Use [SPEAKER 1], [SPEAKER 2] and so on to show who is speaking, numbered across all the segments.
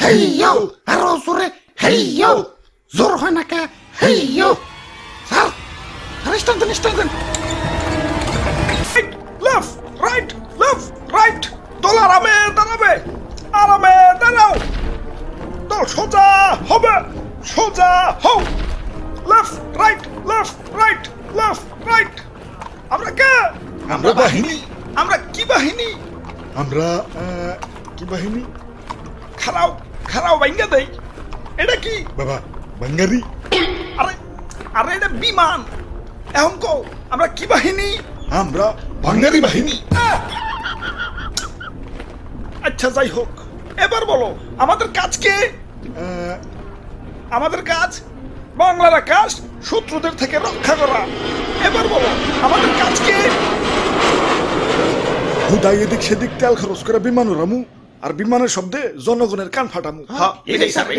[SPEAKER 1] হেইয়ো আরো জোরে হেইয়ো জোর হয় না কে হেইয়ো স্যার স্টান দেন
[SPEAKER 2] লেফট রাইট দল আরামে দাঁড়াও দল সোজা হবে সোজা হও লেফট রাইট আমরা কে
[SPEAKER 3] আমরা বাহিনী
[SPEAKER 2] আমরা কি বাহিনী
[SPEAKER 3] আমরা কি বাহিনী
[SPEAKER 2] খারাও ভাঙ্গা দেই এটা কি
[SPEAKER 3] বাবা বাঙ্গারি
[SPEAKER 2] আরে আরে এটা বিমান এখন কও আমরা কি বাহিনী
[SPEAKER 3] আমরা বাঙ্গারি বাহিনী
[SPEAKER 2] আচ্ছা যাই হোক এবার বলো আমাদের কাজ কি আমাদের কাজ বাংলার আকাশ শত্রুদের থেকে রক্ষা করা এবার বলো আমাদের কাজ কি
[SPEAKER 3] হুদাই এদিক সেদিক তেল খরচ করে বিমান উড়ামু আর বিমানের শব্দে জনগণের কান ফাটামু
[SPEAKER 2] হ্যাঁ
[SPEAKER 1] এটাই স্যার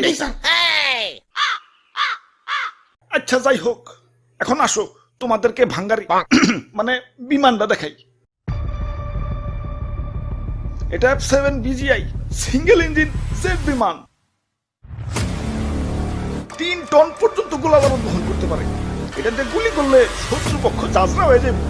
[SPEAKER 2] আচ্ছা যাই হোক এখন আসো তোমাদেরকে ভাঙ্গারি মানে বিমানটা দেখাই এটা F7 BGI single engine jet বিমান 3 টন পর্যন্ত গোলাবারুদ বহন করতে পারে এটাতে গুলি করলে শত্রুপক্ষ যাজরা হয়ে যাবে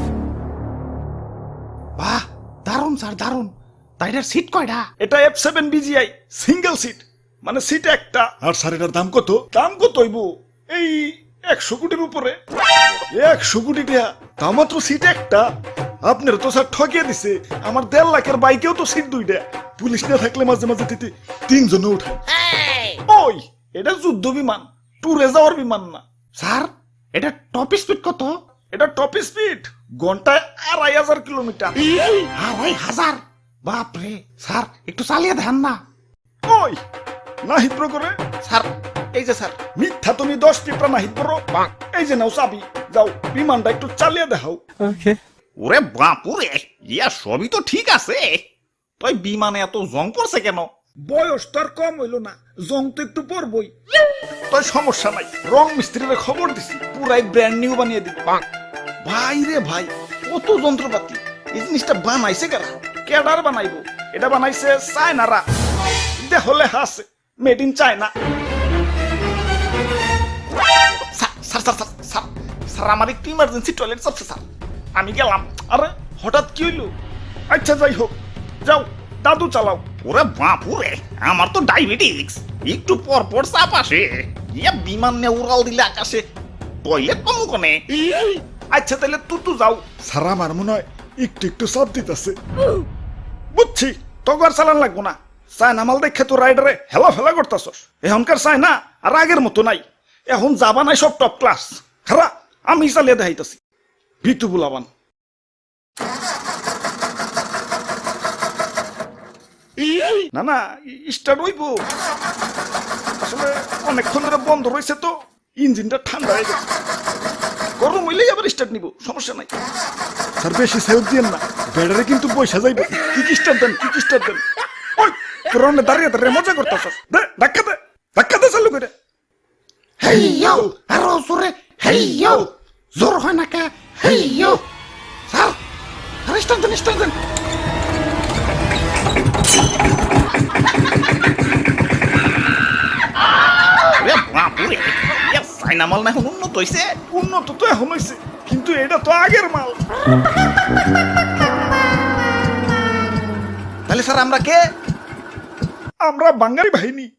[SPEAKER 1] বাহ দারুন স্যার দারুন তাইটার সিট কয়টা
[SPEAKER 2] এটা F7 BGI সিঙ্গেল সিট মানে সিট একটা
[SPEAKER 3] আর স্যার এটার দাম কত
[SPEAKER 2] দাম কত হইব এই 100 কোটির উপরে 100 কোটি টাকা তা মাত্র সিট একটা আপনার তো স্যার ঠকিয়ে দিছে আমার 1.5 লাখের বাইকেও তো সিট দুইটা
[SPEAKER 3] পুলিশ না থাকলে মাঝে মাঝে তিতে তিনজনে উঠায়
[SPEAKER 2] ওই এটা যুদ্ধ বিমান ট্যুরে যাওয়ার বিমান না
[SPEAKER 1] স্যার এটা টপ স্পিড কত
[SPEAKER 2] এটা টপ স্পিড ঘন্টায় 2500 কিলোমিটার
[SPEAKER 1] 2500 বাপরে স্যার একটু চালিয়ে দেন না
[SPEAKER 2] ওই না হিদ্র করে
[SPEAKER 1] স্যার এই যে স্যার
[SPEAKER 2] মিথ্যা তুমি 10 টিপরা না হিদ্র এই যে নাও চাবি যাও বিমানটা একটু চালিয়ে দেখাও
[SPEAKER 4] ওরে বাপুরে ইয়া সবই তো ঠিক আছে তুই বিমানে এত জং পড়ছে কেন
[SPEAKER 2] বয়স তো আর কম হইল না জং তো একটু পরবই তাই সমস্যা নাই রং মিস্ত্রির খবর দিছি পুরাই ব্র্যান্ড নিউ বানিয়ে দিবি ভাই রে ভাই কত যন্ত্রপাতি এই জিনিসটা বানাইছে কারা কেডার বানাইবো এটা বানাইছে চায়নারা দেখলে হাসে মেড ইন চায়না স্যার আমার একটু ইমার্জেন্সি টয়লেট চাপছে স্যার আমি গেলাম আরে হঠাৎ কি হইলো আচ্ছা যাই হোক যাও দাদু চালাও
[SPEAKER 4] ওরে বাপুরে আমার তো ডায়াবেটিক্স একটু পর পর চাপ আসে ইয়া বিমান নিয়ে উড়াল দিলে আকাশে টয়লেট পাবো কোনে
[SPEAKER 2] আচ্ছা তাহলে তুই যাও
[SPEAKER 3] স্যার আমার মনে হয় একটু একটু চাপ দিতেছে
[SPEAKER 2] বুঝছি তোকে আর চালান লাগবো না চায়না মাল দেখে তো রাইডারে হেলা ফেলা করতেছস এখনকার চায়না আর আগের মতো নাই এখন যাবা নাই সব টপ ক্লাস খারা আমি চালিয়ে দেখাইতেছি ভিতু বুলাবান না না স্টার্ট হইব আসলে অনেকক্ষণ ধরে বন্ধ রয়েছে তো ইঞ্জিনটা ঠান্ডা হয়ে গেছে গরম হইলেই আবার স্টার্ট নিব সমস্যা নাই
[SPEAKER 3] স্যার বেশি সেলফ দিয়েন না ব্যাটারি কিন্তু পয়সা যাইবে
[SPEAKER 2] কি স্টার্ট দেন ওই তোর দাঁড়িয়ে মজা করতেছস দে ধাক্কা দে চালু করে
[SPEAKER 1] হেইয়ো আরো জোরে হেইয়ো জোর হয় না কে হেইয়ো স্যার স্টান দেন
[SPEAKER 4] ওরে বাপুরে ইয়া চাইনা মাল না এখন উন্নত হইছে
[SPEAKER 2] উন্নত তো এখন হয়েছে কিন্তু এটা তো আগের মাল
[SPEAKER 4] তাহলে স্যার আমরা কে
[SPEAKER 2] আমরা বাঙালি বাহিনী